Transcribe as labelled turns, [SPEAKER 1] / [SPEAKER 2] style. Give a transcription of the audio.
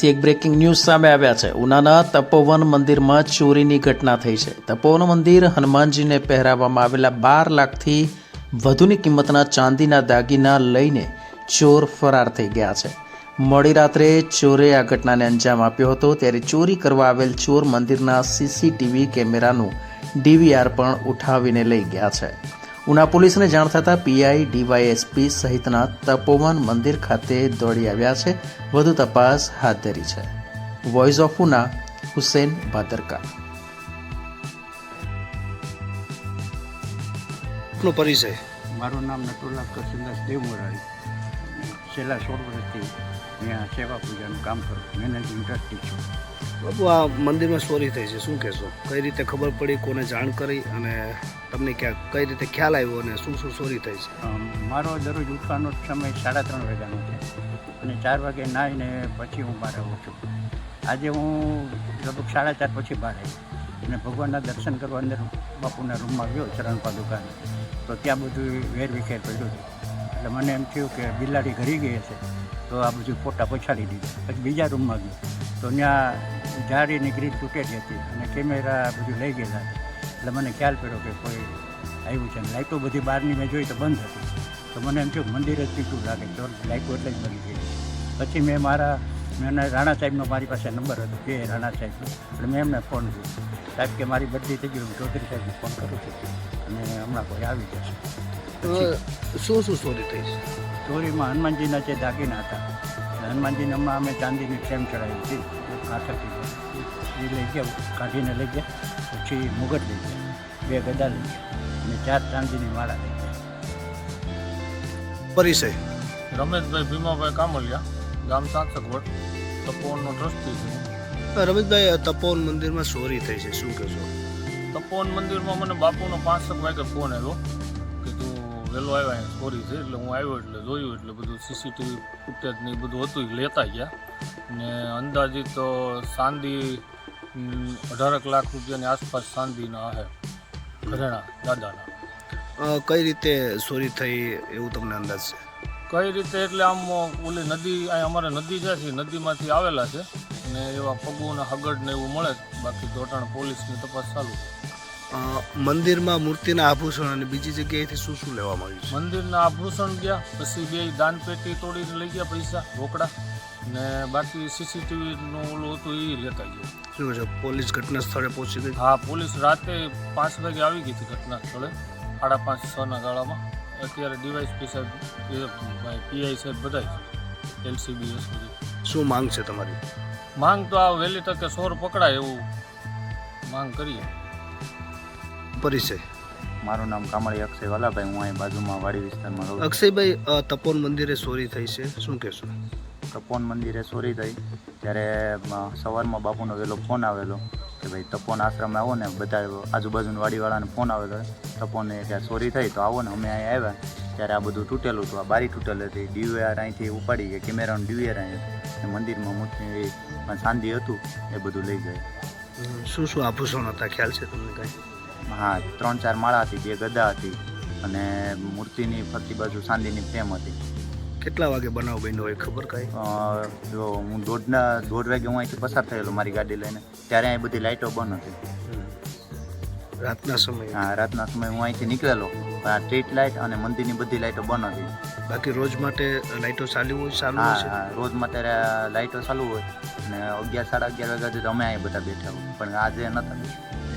[SPEAKER 1] ઉનાથી એક breaking news સામે આવ્યા છે। ઉનાના તપોવન મંદિરમાં ચોરીની ઘટના થઈ છે। તપોવન મંદિર હનુમાનજીને પહેરાવવામાં આવેલા 12 લાખથી વધુની કિંમતના ચાંદીના દાગીના લઈને ચોર ફરાર થઈ ગયા છે। મોડી રાત્રે ચોરે આ ઘટનાને અંજામ આપ્યો હતો। ત્યારે ચોરી કરવા આવેલ ચોર મંદિરના સીસીટીવી કેમેરાનું ડીવીઆર પણ ઉઠાવીને લઈ ગયા છે। ઉના પોલીસને જાણ થતાં પીઆઈ ડીવાયએસપી સહિતના તપોવન મંદિર ખાતે દોડી આવ્યા છે। વધુ તપાસ હાથ ધરી છે। Voice of Una, Hussain Bhadarka.
[SPEAKER 2] પરિચય?
[SPEAKER 3] મારું નામ નટુલા કરશનદાસ દેવમોરારી। છેલ્લા 16 વર્ષથી અહીંયા સેવા પૂજાનું કામ કરું, મેનેજિંગ ટ્રસ્ટી છું।
[SPEAKER 2] બાપુ, આ મંદિરમાં ચોરી થઈ છે, શું કહેશો? કઈ રીતે ખબર પડી, કોને જાણ કરી અને તમને કઈ રીતે ખ્યાલ આવ્યો અને શું શું ચોરી થઈ છે?
[SPEAKER 3] મારો દરરોજ ઉઠવાનો સમય 3:30 વાગ્યાનો છે અને 4 વાગે નાહીને પછી હું બહાર આવું છું। આજે હું લગભગ 4:30 પછી બહાર આવ્યો અને ભગવાનના દર્શન કરવા અંદર બાપુના રૂમમાં ગયો, ચરણ પાદુકાને, તો ત્યાં બધું વેરવિખેર પડ્યું હતું। એટલે મને એમ થયું કે બિલાડી ઘરી ગઈ હશે, તો આ બધું ફોટા પછાડી દીધા। પછી બીજા રૂમમાં ગયો તો ત્યાં જાળીની ગ્રીલ તૂટેલી હતી અને કેમેરા બધું લઈ ગયેલા હતા। એટલે મને ખ્યાલ પડ્યો કે કોઈ આવ્યું છે। લાઇટો બધી બહારની મેં જોઈ તો બંધ હતી, તો મને એમ થયું મંદિર જ પીટું લાગે, તો લાઇટો એટલે જ બની ગઈ। પછી મેં રાણા સાહેબનો મારી પાસે નંબર હતો, કે રાણા સાહેબનો, એટલે મેં એમને ફોન કર્યો, સાહેબ કે મારી બદલી થઈ ગઈ, હું ચૌધરી સાહેબને ફોન કરું છું અને હમણાં કોઈ આવી જશે।
[SPEAKER 2] શું શું ચોરી થઈ છે?
[SPEAKER 3] ચોરીમાં હનુમાનજીના જે દાગીના હતા, હનુમાનજીને હમણાં અમે ચાંદીની ફ્રેમ ચડાવી હતી, કાંઠેથી એ લઈ ગયા, કાઢીને લઈ ગયા। પછી મુગટ લઈ ગયા, 2 ગદા લઈ ગયા અને 4 ચાંદીની માળા લઈ ગયા।
[SPEAKER 2] પરિચય?
[SPEAKER 4] રમેશભાઈ ભીમાભાઈ કામલિયા, ગામ સાંસગવડ, તપોવનનો ટ્રસ્ટી છું।
[SPEAKER 2] રમેશભાઈ, તપોવન મંદિરમાં ચોરી થઈ છે, શું કહેશો?
[SPEAKER 4] તપોવન મંદિરમાં મને બાપુનો 5 વાગે ફોન આવ્યો કે તું વહેલો આવ્યા, અહીંયા ચોરી છે। એટલે હું આવ્યો, એટલે જોયું, એટલે બધું સીસીટીવી ફૂટેજ ને એ બધું હતું, એ લેતા ગયા ને અંદાજિત તો ચાંદી 18 લાખ રૂપિયાની આસપાસ ચાંદીના છે, ઘરેણા દાદાના।
[SPEAKER 2] કઈ રીતે ચોરી થઈ એવું તમને અંદાજ છે?
[SPEAKER 4] કઈ રીતે એટલે આમ ઓલી નદી, અહીં અમારે નદી જાય છે, નદીમાંથી આવેલા છે ને એવા પગુના હગડ ને એવું મળે, બાકી દોટાણ પોલીસની તપાસ ચાલુ છે।
[SPEAKER 2] મંદિરમાં મૂર્તિના આભૂષણ અને બીજી જગ્યાએથી શું શું લેવામાં આવ્યું છે?
[SPEAKER 4] મંદિરના આભૂષણ ગયા, પછી 2 દાન પેટી તોડીને લઈ ગયા, પૈસા રોકડા ને બાકી સીસીટીવીનું ઓલું હતું એ લેતા ગયા।
[SPEAKER 2] શું કહે છે, પોલીસ ઘટના સ્થળે પહોંચી ગઈ?
[SPEAKER 4] હા, પોલીસ રાતે 5 વાગે આવી ગઈ હતી ઘટના સ્થળે, 5:30-6 ગાળામાં। અત્યારે ડીવાયએસપી સાહેબ, પીઆઈ સાહેબ બધા LCBS બધી।
[SPEAKER 2] શું માંગ છે તમારી?
[SPEAKER 4] માંગ તો આ વહેલી તકે ચોર પકડાય એવું માંગ કરીએ।
[SPEAKER 2] પરિચય?
[SPEAKER 5] મારું નામ કામળી અક્ષય વાલાભાઈ, હું અહીં બાજુમાં વાડી વિસ્તારમાં રહું છું।
[SPEAKER 2] અક્ષયભાઈ, તપોવન મંદિરે ચોરી થઈ છે, શું કહેશો?
[SPEAKER 5] તપોવન મંદિરે ચોરી થઈ ત્યારે સવારમાં બાપુનો વહેલો ફોન આવેલો કે ભાઈ તપોવન આશ્રમે આવો ને, બધા આજુબાજુની વાડીવાળાને ફોન આવેલો તપોવને કે ચોરી થઈ તો આવો ને। અમે અહીં આવ્યા ત્યારે આ બધું તૂટેલું હતું, આ બારી તૂટેલી હતી, ડીવીઆર અહીંથી ઉપાડી ગયા, કેમેરાનું ડીવીઆર અહીં હતું, મંદિરમાં મૂર્તિ ચાંદી હતું એ બધું લઈ ગયા।
[SPEAKER 2] શું શું આભૂષણ હતા, ખ્યાલ છે તમને કાંઈ?
[SPEAKER 5] હા, 3-4 માળા હતી, 2 ગદા હતી અને મૂર્તિની ફરતી બાજુ ચાંદીની ફ્રેમ હતી।
[SPEAKER 2] કેટલા વાગે બનાવ બન્યો હોય ખબર કાંઈ?
[SPEAKER 5] જો હું 1:30 વાગે હું અહીંથી પસાર થયેલો મારી ગાડી લઈને, ત્યારે અહીં બધી લાઇટો બંધ હતી।
[SPEAKER 2] રાતના સમયે?
[SPEAKER 5] હા, રાતના સમયે હું અહીંથી નીકળેલો, આ સ્ટ્રીટ લાઇટ અને મંદિરની બધી લાઇટો બંધ હતી।
[SPEAKER 2] બાકી રોજ માટે લાઇટો ચાલુ હોય?
[SPEAKER 5] હા, રોજ માટે લાઇટો ચાલુ હોય અને 11-11:30 વાગ્યા સુધી અમે અહીં બધા બેઠા હોય, પણ આજે નહોતા।